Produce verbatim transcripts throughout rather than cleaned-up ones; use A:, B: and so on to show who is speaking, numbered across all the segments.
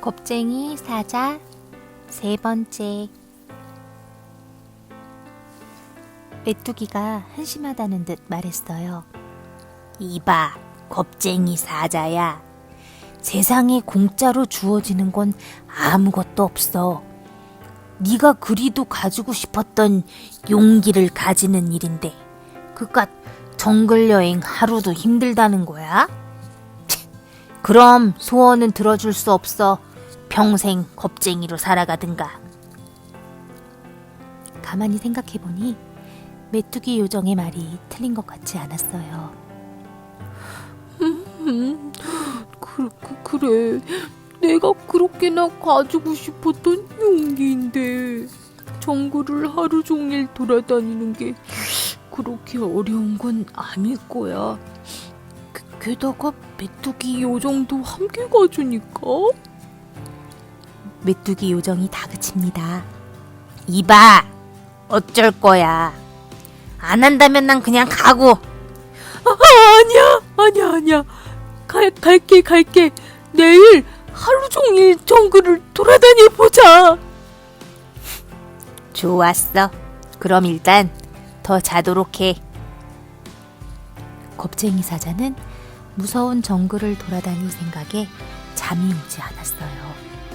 A: 겁쟁이 사자 세 번째. 메뚜기가 한심하다는 듯 말했어요. 이봐, 겁쟁이 사자야. 세상에 공짜로 주어지는 건 아무것도 없어. 네가 그리도 가지고 싶었던 용기를 가지는 일인데 그깟 정글 여행 하루도 힘들다는 거야? 치, 그럼 소원은 들어줄 수 없어. 평생 겁쟁이로 살아가든가. 가만히 생각해보니 메뚜기 요정의 말이 틀린 것 같지 않았어요.
B: 음, 그, 그, 그래. 내가 그렇게나 가지고 싶었던 용기인데 정글을 하루 종일 돌아다니는 게 그렇게 어려운 건 아닐 거야. 그, 게다가 메뚜기 요정도 함께 가주니까.
A: 메뚜기 요정이 다그칩니다. 이봐, 어쩔 거야. 안 한다면 난 그냥 가고.
B: 아, 아니야, 아니야, 아니야. 갈, 갈게, 갈게. 내일 하루 종일 정글을 돌아다녀 보자.
A: 좋았어. 그럼 일단 더 자도록 해. 겁쟁이 사자는 무서운 정글을 돌아다닐 생각에 잠이 오지 않았어요.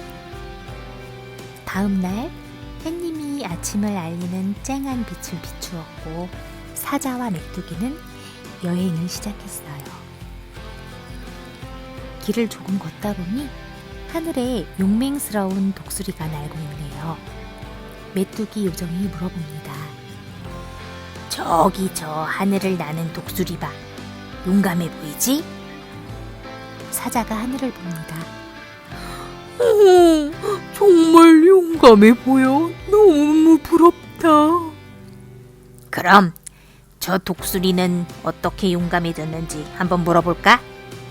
A: 다음 날 햇님이 아침을 알리는 쨍한 빛을 비추었고 사자와 메뚜기는 여행을 시작했어요. 길을 조금 걷다 보니 하늘에 용맹스러운 독수리가 날고 있네요. 메뚜기 요정이 물어봅니다. 저기 저 하늘을 나는 독수리 봐. 용감해 보이지? 사자가 하늘을 봅니다.
B: 오, 정말 용감해 보여. 너무 부럽다.
A: 그럼 저 독수리는 어떻게 용감해졌는지 한번 물어볼까?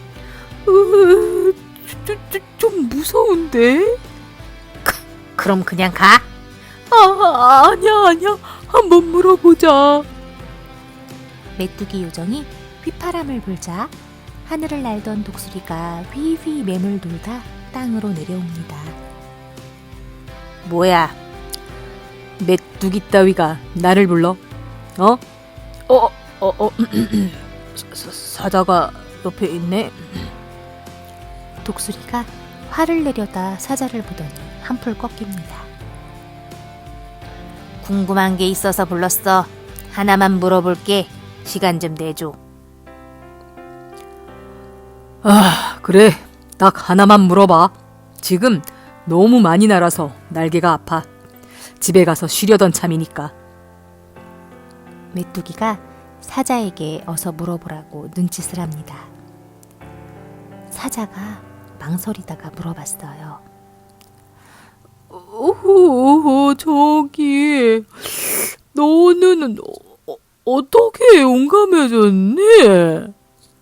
B: 으, 저, 저, 좀 무서운데?
A: 그럼 그냥 가.
B: 아, 아니야, 아니야. 한번 물어보자.
A: 메뚜기 요정이 휘파람을 불자 하늘을 날던 독수리가 휘휘 맴을 돌다 땅으로 내려옵니다.
B: 뭐야? 메뚜기 따위가 나를 불러? 어? 어, 어, 어, 사, 사자가 옆에 있네.
A: 독수리가 화를 내려다 사자를 보더니 한풀 꺾입니다. 궁금한 게 있어서 불렀어. 하나만 물어볼게. 시간 좀 내줘.
B: 아, 그래. 딱 하나만 물어봐. 지금 너무 많이 날아서 날개가 아파. 집에 가서 쉬려던 참이니까.
A: 메뚜기가 사자에게 어서 물어보라고 눈짓을 합니다. 사자가 망설이다가 물어봤어요.
B: 오호, 저기 너는 어, 어떻게 용감해졌니?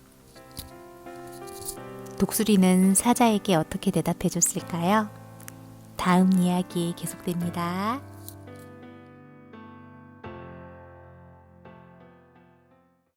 A: 독수리는 사자에게 어떻게 대답해 줬을까요? 다음 이야기 계속됩니다.